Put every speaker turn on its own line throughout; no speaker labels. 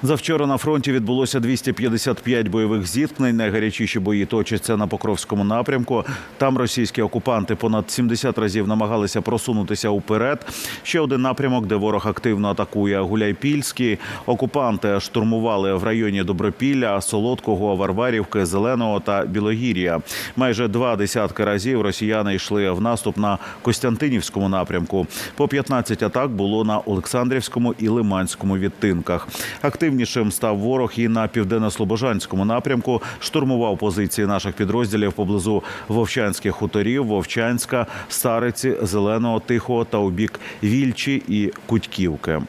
Завчора на фронті відбулося 255 бойових зіткнень. Найгарячіші бої точаться на Покровському напрямку. Там російські окупанти понад 70 разів намагалися просунутися уперед. Ще один напрямок, де ворог активно атакує – Гуляйпільський. Окупанти штурмували в районі Добропілля, Солодкого, Варварівки, Зеленого та Білогір'я. Майже 20 разів росіяни йшли в наступ на Костянтинівському напрямку. По 15 атак було на Олександрівському і Лиманському відтинках. Активнішим став ворог і на Південно-Слобожанському напрямку. Штурмував позиції наших підрозділів поблизу Вовчанських хуторів, Вовчанська, Стариці, Зеленого, Тихого та у бік Вільчі і Кутьківки.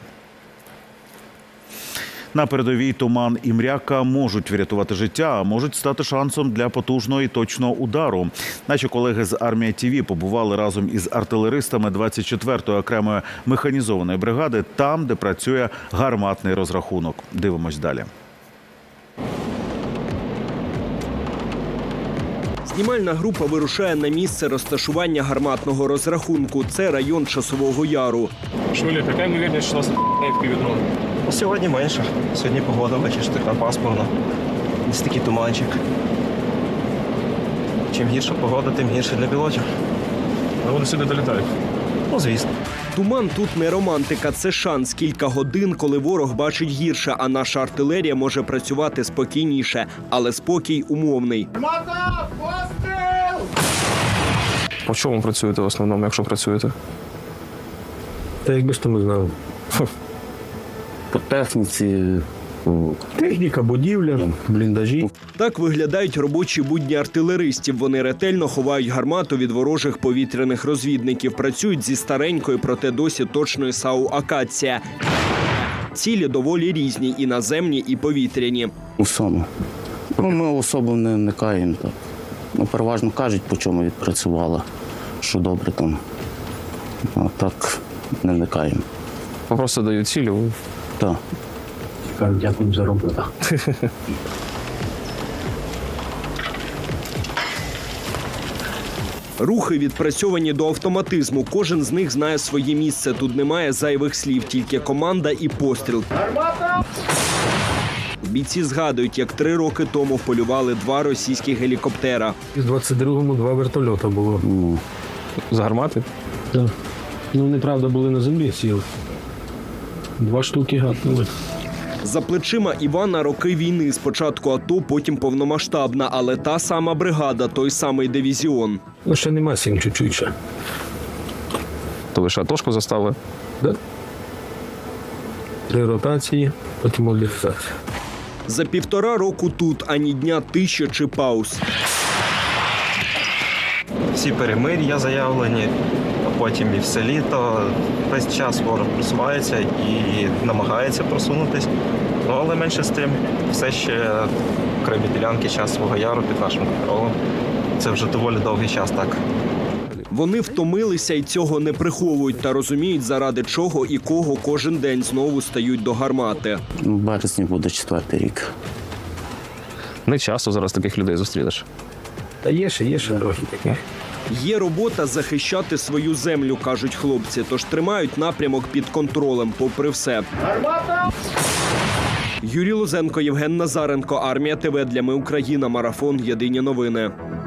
На передовій туман і мряка можуть врятувати життя, а можуть стати шансом для потужного і точного удару. Наші колеги з Армія ТІВІ побували разом із артилеристами 24-ї окремої механізованої бригади, там, де працює гарматний розрахунок. Дивимось далі.
Знімальна група вирушає на місце розташування гарматного розрахунку. Це район Часового Яру.
Шулі, яка ймовірність, що нас півдрон?
Сьогодні менше. Сьогодні погода, бачиш, така пасмурна. Ось такий туманчик. Чим гірша погода, тим гірше для пілотів.
А вони сюди долітають?
Ну, звісно.
Туман тут не романтика, це шанс. Кілька годин, коли ворог бачить гірше, а наша артилерія може працювати спокійніше. Але спокій умовний.
По чому працюєте в основному, якщо працюєте?
Та якби ж то ми знали.
По техніці.
Техніка, будівля, бліндажі.
Так виглядають робочі будні артилеристів. Вони ретельно ховають гармату від ворожих повітряних розвідників. Працюють зі старенької, проте досі точної САУ «Акація». Цілі доволі різні – і наземні, і повітряні.
Усьому. Ми особо не вникаємо. Переважно кажуть, по чому відпрацювала, що добре там. А так не вникаємо.
Просто дають цілі.
Так.
Кажуть, дякую за роботу.
Рухи відпрацьовані до автоматизму. Кожен з них знає своє місце. Тут немає зайвих слів, тільки команда і постріл. Бійці згадують, як 3 роки тому полювали 2 російських гелікоптера.
І в 22-му 2 вертольота було.
З гармати?
Так. Ну, неправда, були на землі, сіли. 2 штуки гатнули.
За плечима Івана роки війни. Спочатку АТО, потім повномасштабна, але та сама бригада, той самий дивізіон.
Ну, ще нема 7 чуть-чуть ще.
То лише атошку застали?
Да? 3 ротації, потім мобілізація.
За 1,5 року тут ані дня тиші чи пауз.
Всі перемир'я заявлені, а потім і все літо. Весь час ворог просувається і намагається просунутись. Ну, але менше з тим, все ще окремі ділянки Часового Яру під нашим контролем. Це вже доволі довгий час так.
Вони втомилися і цього не приховують та розуміють, заради чого і кого кожен день знову стають до гармати.
В березні буде 4-й рік.
Не часто зараз таких людей зустрінеш.
Та є ще трохи таких.
Є робота захищати свою землю, кажуть хлопці, тож тримають напрямок під контролем, попри все. Юрій Лозенко, Євген Назаренко, Армія ТВ. Для Ми Україна. Марафон. Єдині новини.